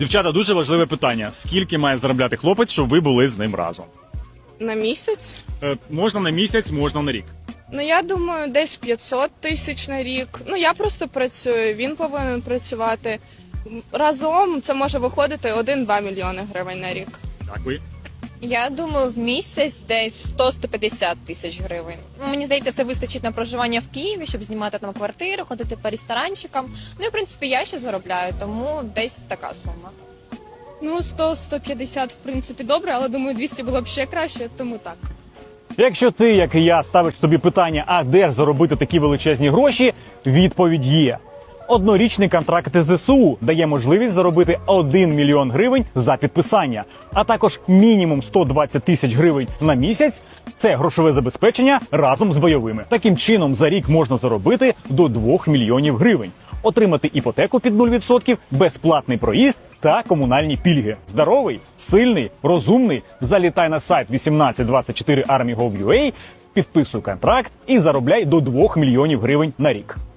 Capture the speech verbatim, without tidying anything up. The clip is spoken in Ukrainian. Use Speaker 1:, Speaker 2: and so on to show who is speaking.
Speaker 1: Дівчата, дуже важливе питання. Скільки має заробляти хлопець, щоб ви були з ним разом?
Speaker 2: На місяць?
Speaker 1: Е, можна на місяць, можна на рік.
Speaker 2: Ну, я думаю, десь п'ятсот тисяч на рік. Ну, я просто працюю, він повинен працювати. Разом це може виходити один-два мільйони гривень на рік.
Speaker 1: Так, ви?
Speaker 3: Я думаю, в місяць десь сто - сто п'ятдесят тисяч гривень. Ну, мені здається, це вистачить на проживання в Києві, щоб знімати там квартиру, ходити по ресторанчикам. Ну і в принципі я ще заробляю, тому десь така сума.
Speaker 4: Ну, сто - сто п'ятдесят, в принципі, добре, але думаю, двісті було б ще краще, тому так.
Speaker 1: Якщо ти, як і я, ставиш собі питання, а де ж заробити такі величезні гроші, відповідь є. Однорічний контракт із ЗСУ дає можливість заробити один мільйон гривень за підписання, а також мінімум сто двадцять тисяч гривень на місяць – це грошове забезпечення разом з бойовими. Таким чином, за рік можна заробити до двох мільйонів гривень, отримати іпотеку під нуль відсотків, безплатний проїзд та комунальні пільги. Здоровий, сильний, розумний? Залітай на сайт вісімнадцять двадцять чотири армія точка гов точка ю а, підписуй контракт і заробляй до двох мільйонів гривень на рік.